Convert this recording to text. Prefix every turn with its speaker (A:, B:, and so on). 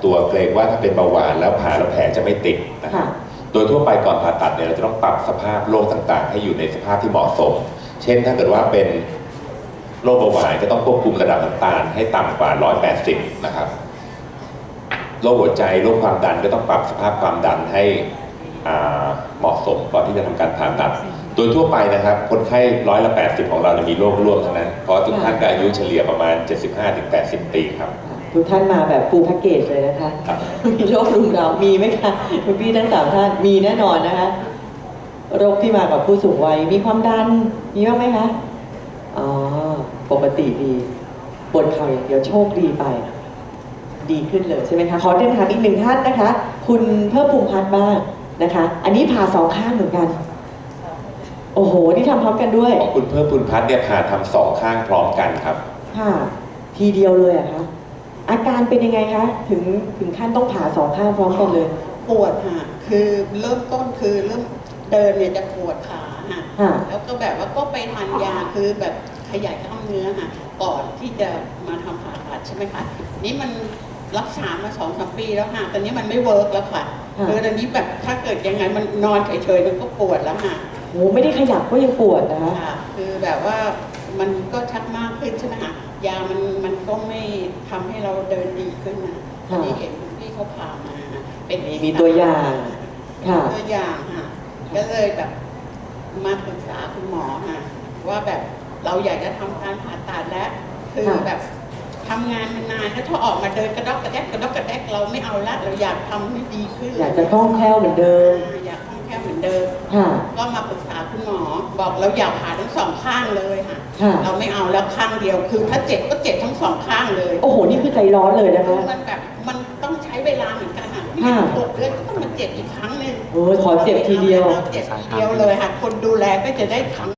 A: ตัวเกรงว่าถ้าเป็นเบาหวานแล้วผ่าแล้วแผลจะไม่ติดนะครับโดยทั่วไปก่อนผ่าตัดเนี่ยเราจะต้องปรับสภาพโรคต่างๆให้อยู่ในสภาพที่เหมาะสมเช่นถ้าเกิดว่าเป็นโรคเบาหวานก็ต้องควบคุมระดับน้ำตาลให้ต่ำกว่า180นะครับโรคหัวใจโรคความดันก็ต้องปรับสภาพความดันให้เหมาะสมก่อนที่จะทำการผ่าตัดโดยทั่วไปนะครับคนไข้80%ของเราจะมีโรคร่วมทั้งนั้นเพราะทุกท่านก็อายุเฉลี่ยประมาณ 75-80 ปีครับ
B: ทุกท่านมาแบบฟูลแพ็กเกจเลยนะคะมีโรครุมเรามีไหมคะคุณพี่ทั้ง3ท่านมีแน่นอนนะคะโรคที่มากับผู้สูงวัยมีความดันมีบ้างไหมคะอ๋อปกติดีปวดเข่าอย่างเดียวโชคดีไปดีขึ้นเลยใช่ไหมคะขอเดินทางอีกหนึ่งท่านนะคะคุณเพิ่มภูมิพัฒน์บ้างนะคะอันนี้ผ่า2 ข้างเหมือนกันโอ้โหนี่ทำพร้อมกันด้วย
A: ของคุณเพิ่มภูมิพัฒน์เนี่ยผ่าทำ2 ข้างพร้อมกันครับ
B: ค่ะทีเดียวเลยอะคะอาการเป็นยังไงคะถึงขั้นต้องผ่า2 ข้างพร้อมกันเลย
C: ปวดค่ะคือเริ่มต้นคือเริ่มเดินเนี่ยจะปวดขาค่ะแล้วก็แบบว่าก็ไปทานยาคือแบบขยายกล้ามเนื้อค่ะก่อนที่จะมาทำผ่าตัดใช่ไหมคะนี่มันรักษามา2-3 ปีแล้วค่ะตอนนี้มันไม่เวิร์กแล้วค่ะคือตอนนี้แบบถ้าเกิดยังไงมันนอนเฉยๆมันก็ปวดแล้วค่ะ
B: โอ้ไม่ได้ขยับก็ยังปวดนะคะ
C: คือแบบว่ามันก็ชักมากขึ้นใช่ไหมคะยามันก็ไม่ทำให้เราเดินดีขึ้นนะที่เห็นคุณพี่เขาพามาเป็น
B: มีตัวอย่าง
C: ค่ะตัวอย่างค่ะก็เลยแบบมาปรึกษาคุณหมอค่ะว่าแบบเราอยากจะทำการผ่าตัดแล้วคือแบบทำงานมานานแล้วถ้าออกมาเดินกระดกกระแดกเราไม่เอาละเราอยากทำให้ดีขึ้น
B: อยากจะคล่องแคล่วเหมือนเดิม
C: อยากคล่องแคล่วเหมือนเดิมก็มาปรึกษาคุณหมอบอกเราอยากผ่าทั้ง2 ข้างเลยค่ะเราไม่เอาแล้วข้างเดียวคือถ้าเจ็บก็เจ็บทั้ง2 ข้างเลย
B: โอ้โหนี่คือใจร้อนเลยนะคะ
C: มันแบบมันต้องใช้เวลาเหมือนกันไม่ใช่6 เดือนก็ต้องมาเจ็บอีกครั้งนึง
B: ขอเจ็บทีเดียว
C: เจ็บทีเดียวเลยค่ะคนดูแลก็จะได้ทำ